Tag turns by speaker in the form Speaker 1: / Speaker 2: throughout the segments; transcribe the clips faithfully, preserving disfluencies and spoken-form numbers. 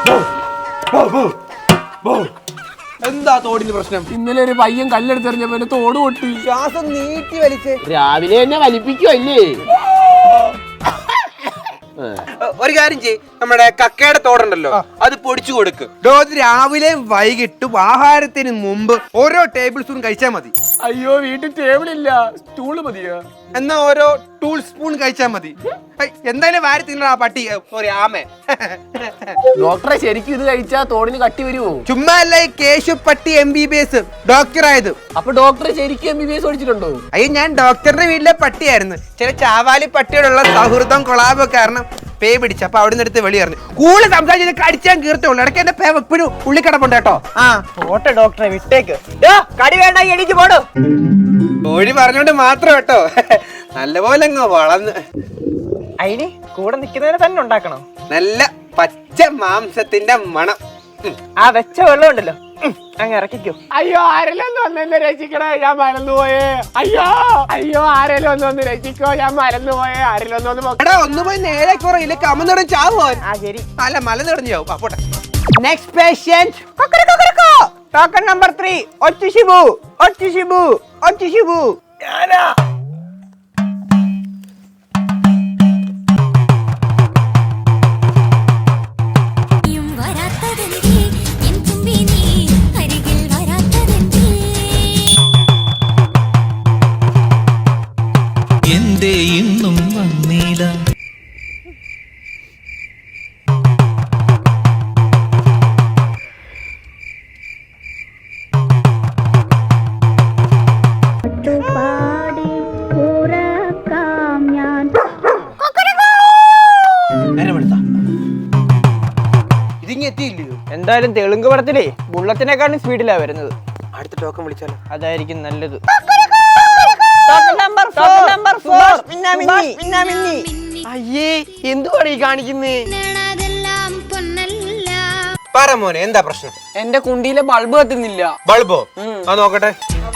Speaker 1: എന്താ തോടിന് പ്രശ്നം?
Speaker 2: ഇന്നലെ ഒരു പയ്യൻ കല്ലെടുത്തെറിഞ്ഞപ്പോ തോട് പൊട്ടി.
Speaker 1: ശ്വാസം നീട്ടി വലിച്ച്
Speaker 2: രാവിലെ തന്നെ വലിപ്പിക്കുവല്ലേ?
Speaker 1: ഒരു കാര്യം ചെയ്യ്, നമ്മുടെ കക്കയുടെ തോടുണ്ടല്ലോ അത് പൊടിച്ചു കൊടുക്ക്. ഡോസ് രാവിലെയും വൈകിട്ടും ആഹാരത്തിന് മുമ്പ് ഓരോ ടേബിൾ സ്പൂൺ കഴിച്ചാൽ മതി.
Speaker 2: അയ്യോ വീട്ടിൽ ടേബിൾ ഇല്ല, സ്റ്റൂള് മതിയോ?
Speaker 1: എന്നാ ഓരോ ടൂൾ സ്പൂൺ കഴിച്ചാൽ മതി. എന്തായാലും വാരി തിന്നണ ആ പട്ടി സോറി ആമേ.
Speaker 2: ഡോക്ടറെ ശരിക്കും ഇത് കഴിച്ചാ തോടിന് കട്ടി വരുമോ?
Speaker 1: ചുമ്മാ അല്ല ഈ കേശു പട്ടി M B B S doctor ആയത്.
Speaker 2: അപ്പൊ ഡോക്ടറെ ശരിക്കും എം ബി ബി എസ് പഠിച്ചിട്ടുണ്ടോ?
Speaker 1: അയ്യോ ഞാൻ ഡോക്ടറിന്റെ വീട്ടിലെ പട്ടിയായിരുന്നു. ചില ചാവാലി പട്ടിയോടുള്ള സൗഹൃദം കൊളാബോ കാരണം പേ പിടിച്ചു. അപ്പൊ അവിടെ നിന്ന് എടുത്ത് വെളി പറഞ്ഞു കൂടുതൽ സംസാരിച്ചത് കടിച്ചാൻ കീർത്തുള്ളൂ. ഇടയ്ക്ക് എന്റെ പേ എപ്പോഴും ഉള്ളിക്കടപ്പുണ്ട് കേട്ടോ. ആ
Speaker 3: ഓട്ടെ ഡോക്ടറെ വിട്ടേക്ക്. കടി വേണ്ട എണീച്ച് പോടോ.
Speaker 1: കോഴി പറഞ്ഞോണ്ട് മാത്രം കേട്ടോ, നല്ലപോലെ അങ്ങ് വളർന്ന്.
Speaker 3: അതിന് കൂടെ നിക്കുന്നതിനെ തന്നെ ഉണ്ടാക്കണം.
Speaker 1: നല്ല പച്ച മാംസത്തിന്റെ മണം.
Speaker 3: ആ വെച്ച വെള്ളം ഉണ്ടല്ലോ അങ്ങ് ഇറക്കിക്കോ.
Speaker 2: അയ്യോ ആരെല്ലാം ഒന്ന് വന്നെന്നെ രക്ഷിക്കണേ, ഞാൻ മറന്നുപോയേ. അയ്യോ അയ്യോ ആരെല്ലാം ഒന്ന് വന്ന് രക്ഷിക്കോ, ഞാൻ മറന്നുപോയേ. ആരെല്ലാം ഒന്ന് വന്ന്
Speaker 1: എടാ ഒന്ന് പോയി നേരെ കുറയില്ല കമന്നിടം ചാവോ.
Speaker 3: ആ ശരി.
Speaker 1: അല്ല മല നിറഞ്ഞു ചാവും. അപ്പോട്ടെ
Speaker 3: next patient token number three Ochu Shibu Ochu Shibu Ochu Shibu. ഞാനാ
Speaker 4: ഇന്നും വന്നീല.
Speaker 1: ഇതിങ്ങി എത്തിയില്ലയോ?
Speaker 3: എന്തായാലും തെലുങ്ക് പടത്തിലേ ബുള്ളറ്റിനെക്കാളും സ്പീഡിലാ വരുന്നത്.
Speaker 1: അടുത്ത ടോക്കൺ വിളിച്ചാലോ?
Speaker 3: അതായിരിക്കും നല്ലത്.
Speaker 2: അയ്യേ എന്തുവാണ് ഈ കാണിക്കുന്നേ?
Speaker 1: പറ മോനെ എന്താ പ്രശ്നം?
Speaker 2: എന്റെ കുണ്ടിയിലെ ബൾബ് കത്തുന്നില്ല.
Speaker 1: ബൾബോ? ആ നോക്കട്ടെ.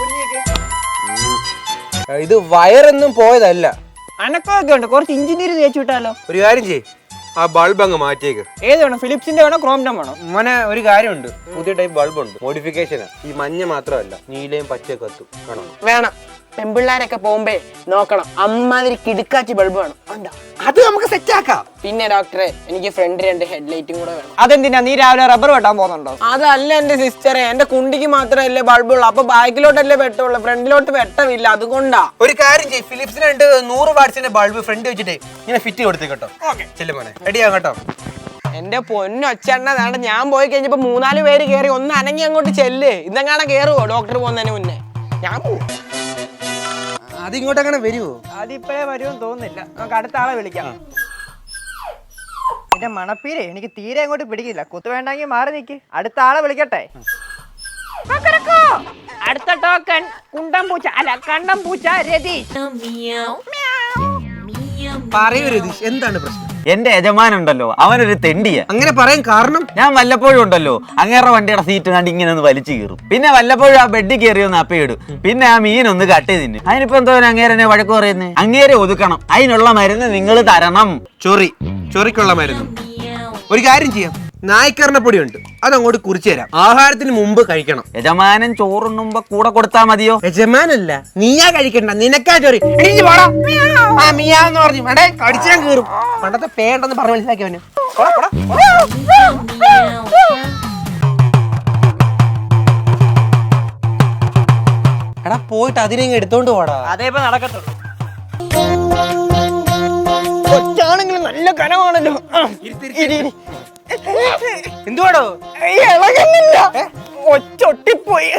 Speaker 1: ഇത് വയറൊന്നും പോയതല്ല.
Speaker 3: അനക്കൊക്കെ ഉണ്ട്, കുറച്ച് ഇഞ്ചിനീര് തേച്ചു വിട്ടാലോ?
Speaker 1: ഒരു കാര്യം ചെയ്യ്, ആ ബൾബ് അങ്ങ് മാറ്റിയേക്ക്.
Speaker 3: ഏത് വേണം, ഫിലിപ്സിന്റെ വേണോ ക്രോംഡം വേണോ?
Speaker 1: മോനെ ഒരു കാര്യമുണ്ട്, പുതിയ ടൈപ്പ് ബൾബ് ഉണ്ട്, മോഡിഫിക്കേഷനാ. ഈ മഞ്ഞ മാത്രമല്ല നീലയും പച്ചയും കത്തും. വേണോ?
Speaker 2: വേണം. പെമ്പിള്ളാരൊക്കെ പോകുമ്പേ നോക്കണം, അമ്മാതിരി കിടുക്കാച്ചി ബൾബ് വേണം.
Speaker 1: അത് നമുക്ക് സെറ്റ് ആക്കാം.
Speaker 2: പിന്നെ ഡോക്ടറെ എനിക്ക് ഫ്രണ്ട് രണ്ട് ഹെഡ്ലൈറ്റും കൂടെ വേണം.
Speaker 3: അതെന്തിനാ, നീ രാവിലെ റബ്ബർ വെട്ടാൻ പോകുന്നുണ്ടോ?
Speaker 2: അതല്ല എന്റെ സിസ്റ്ററെ, എന്റെ കുണ്ടിക്ക് മാത്രമല്ലേ ബൾബുള്ളൂ. അപ്പൊ ബാക്കിലോട്ടല്ലേ വെട്ടമുള്ളൂ, ഫ്രണ്ടിലോട്ട് വെട്ടമില്ല, അതുകൊണ്ടാ.
Speaker 1: ഒരു കാര്യം ചെയ്യ്, ഫിലിപ്സിന് രണ്ട് നൂറ് വാട്സിന്റെ ബൾബ് ഫ്രണ്ട് വെച്ചിട്ടേ ഇങ്ങനെ ഫിറ്റ് കൊടുത്തേ കേട്ടോ. ചെല്ലു മോനെ, റെഡിയാ കേട്ടോ.
Speaker 2: എന്റെ പൊന്നൊച്ചെണ്ണതാണ്. ഞാൻ പോയി കഴിഞ്ഞപ്പോ മൂന്നാല് പേര് കേറി, ഒന്ന് അനങ്ങി അങ്ങോട്ട് ചെല്ല്. ഇതെങ്ങാണെ കേറുവോ ഡോക്ടർ പോകുന്നതിന് മുന്നേ? ഞാൻ പോവും.
Speaker 1: അത് ഇങ്ങോട്ട് അങ്ങനെ വരുവോ?
Speaker 3: അതിപ്പോഴേ വരുമെന്ന് തോന്നുന്നില്ല. നമുക്ക് അടുത്ത ആളെ വിളിക്കാം. എന്റെ മണപ്പീരെ എനിക്ക് തീരെ അങ്ങോട്ട് പിടിക്കില്ല. കുത്തു വേണ്ടെങ്കിൽ മാറി നിക്ക്. അടുത്ത ആളെ വിളിക്കട്ടെ. അടുത്ത ടോക്കൺ കുണ്ടം പൂച്ച അല്ല കണ്ടം പൂച്ച രതീഷ്.
Speaker 1: പറയൂ രതീഷ്, എന്താണ് പ്രശ്നം?
Speaker 5: എന്റെ യജമാനുണ്ടല്ലോ അവനൊരു തെണ്ടിയ.
Speaker 1: അങ്ങനെ പറയാൻ കാരണം?
Speaker 5: ഞാൻ വല്ലപ്പോഴും ഉണ്ടല്ലോ അങ്ങേറെ വണ്ടിയുടെ സീറ്റ് കണ്ട് ഇങ്ങനെ ഒന്ന് വലിച്ചു കീറും. പിന്നെ വല്ലപ്പോഴും ആ ബെഡിൽ കയറി ഒന്ന് അപ്പയിടും. പിന്നെ ആ മീനൊന്ന് കട്ട് ചെയ്തിന്. അതിനിപ്പോ എന്തോ അങ്ങേരനെ വഴക്ക് പറയുന്നേ? അങ്ങേരെ ഒതുക്കണം, അതിനുള്ള മരുന്ന് നിങ്ങൾ തരണം.
Speaker 1: ചൊറി ചൊറിക്കുള്ള മരുന്ന്. ഒരു കാര്യം ചെയ്യാം, നായ്ക്കറിന്റെ പൊടി ഉണ്ട്, അതങ്ങോട്ട് കുറിച്ചു തരാം. ആഹാരത്തിന് മുമ്പ് കഴിക്കണം.
Speaker 5: യജമാനൻ ചോറുണ്ണുമ്പോ കൂടെ കൊടുത്താ മതിയോ?
Speaker 1: യജമാനല്ല, നീയാ കഴിക്കണ്ട, നിനക്കാ ചൊറി. ആ മിയാന്ന് പറഞ്ഞു അടേ കടിച്ചാൻ കീറും. പണ്ടത്തെ പേണ്ടെന്ന് പറഞ്ഞ് മനസ്സിലാക്കിയവന്. എടാ പോയിട്ട് അതിനെ എടുത്തോണ്ട് പോടാ.
Speaker 3: അതേപ്പോ നടക്കത്തുള്ളൂ. കൊച്ചാണെങ്കിലും നല്ല കനമാണല്ലോ.
Speaker 1: എന്തുവാടോ?
Speaker 3: ഇളകുന്നില്ല, ഒച്ചൊട്ടിപ്പോയി.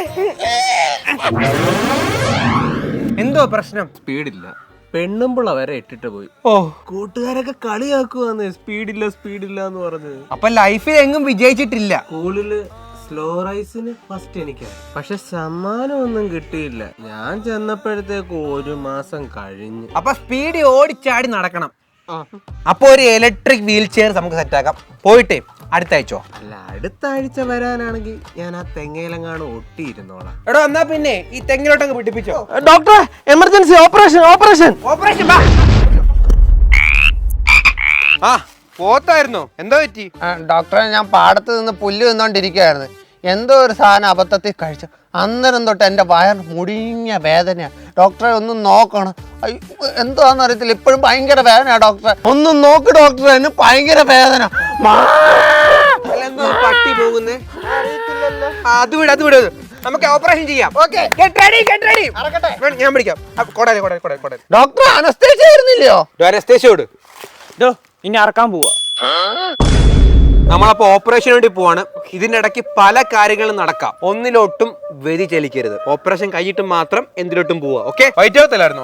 Speaker 1: എന്തോ പ്രശ്നം?
Speaker 2: സ്പീഡില്ല, പെണ്ണുമ്പിള്ള വരെ ഇട്ടിട്ട് പോയി.
Speaker 1: ഓ,
Speaker 2: കൂട്ടുകാരൊക്കെ കളിയാക്കുവാന്ന്, സ്പീഡില്ല സ്പീഡില്ല എന്ന് പറഞ്ഞ്.
Speaker 1: അപ്പൊ ലൈഫിൽ എങ്ങും വിജയിച്ചിട്ടില്ല.
Speaker 2: സ്കൂളില് സ്ലോ റൈസിന് ഫസ്റ്റ് എനിക്കാണ്, പക്ഷെ സമ്മാനമൊന്നും കിട്ടിയില്ല. ഞാൻ ചെന്നപ്പോഴത്തേക്ക് ഒരു മാസം കഴിഞ്ഞു.
Speaker 1: അപ്പൊ സ്പീഡ് ഓടിച്ചാടി നടക്കണം. അപ്പൊ ഒരു ഇലക്ട്രിക് വീൽ ചെയർ നമുക്ക് സെറ്റ് ആക്കാം. പോയിട്ടേ അടുത്ത ആഴ്ചോ?
Speaker 2: അല്ല, അടുത്ത ആഴ്ച വരാനാണെങ്കിൽ ഞാൻ ആ തെങ്ങയിലെങ്ങാണ് ഒട്ടിയിരുന്നോളാം.
Speaker 1: എടോ എന്നാ പിന്നെ ഈ തെങ്ങിലോട്ടങ്ങ് പിടിപ്പിച്ചോ.
Speaker 2: Doctor emergency operation operation
Speaker 1: operation. ആ പോത്തായിരുന്നോ? എന്താ പറ്റി?
Speaker 3: ഡോക്ടറെ, ഞാൻ പാടത്ത് നിന്ന് പുല്ല് നിന്നോണ്ടിരിക്കുകയായിരുന്നു. എന്തോ ഒരു സാധനം അബദ്ധത്തിൽ കഴിച്ചു. അന്നേരം തൊട്ട് എൻ്റെ വയർ മുടിഞ്ഞ വേദനയാണ്. ഡോക്ടറെ ഒന്ന് നോക്കണം. എന്താന്ന് അറിയത്തില്ല, ഇപ്പോഴും ഭയങ്കര വേദനയാണ് ഡോക്ടറെ. ഒന്ന് നോക്ക് ഡോക്ടറെ, എന്നെ ഭയങ്കര വേദന.
Speaker 1: എന്തോ പട്ടി പോകുന്നേ? അത് വിട്, അത് വിട്. നമുക്ക് ഓപ്പറേഷൻ ചെയ്യാം. Okay, get ready, get ready. ഞാൻ പിടിക്കാം. കൊടേ കൊടേ കൊടേ കൊടേ.
Speaker 3: Doctor anaesthesia ആയിരുന്നില്ലയോ?
Speaker 1: അനസ്തേഷ്യോട്
Speaker 2: ഇനി അറക്കാൻ പോവാ.
Speaker 1: നമ്മളപ്പോ ഓപ്പറേഷൻ വേണ്ടി പോവാണ്. ഇതിന്റെ ഇടയ്ക്ക് പല കാര്യങ്ങളും നടക്കാം. ഒന്നിലോട്ടും വ്യതിചലിക്കരുത്. ഓപ്പറേഷൻ കഴിഞ്ഞിട്ട് മാത്രം എന്തിലോട്ടും പോവാ. ഓക്കെ, വൈറ്റ് ഹൗസിലായിരുന്നോ?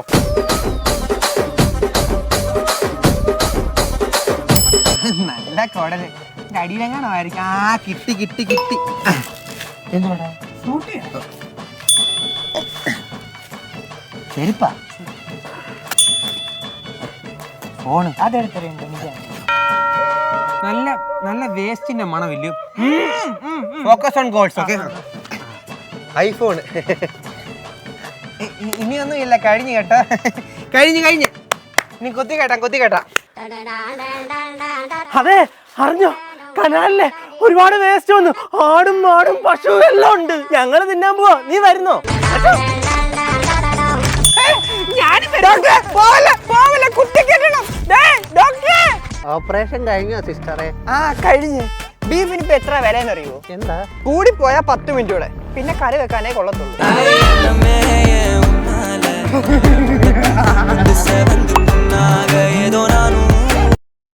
Speaker 1: നല്ല കൊടല് അടിയിലെങ്ങാണോ ആയിരിക്കും. ആ കിട്ടി കിട്ടി കിട്ടി. എന്തുകൊണ്ടാ ചെരുപ്പാ? ഫോണ് അതെടുത്തറിയണ്ട. നല്ല നല്ല വേസ്റ്റിന്റെ മണമില്ല. Focus on goals. Okay, iPhone ഇനിയൊന്നും ഇല്ല, കഴിഞ്ഞു കേട്ടോ. കഴിഞ്ഞു കഴിഞ്ഞു ഇനി കൊത്തി കേട്ടാ കൊത്തി കേട്ടാ.
Speaker 2: അതെ, അറിഞ്ഞോ? കനാലിലെ ഒരുപാട് വേസ്റ്റ് വന്നു. ആടും മാടും പശുവും എല്ലാം ഉണ്ട്. ഞങ്ങള് തിന്നാൻ പോവാ. നീ വരുന്നോ?
Speaker 3: ഓപ്പറേഷൻ കഴിഞ്ഞോ സിസ്റ്ററെ?
Speaker 2: ആ, കഴിഞ്ഞ്. ബീഫിന് ഇപ്പൊ എത്ര വിലയെന്ന് അറിയുമോ?
Speaker 3: എന്താ?
Speaker 2: കൂടി പോയാ പത്ത് മിനിറ്റ് കൂടെ, പിന്നെ കറി വെക്കാനേ കൊള്ളത്തുള്ളൂ.
Speaker 4: ഏതോ നാനും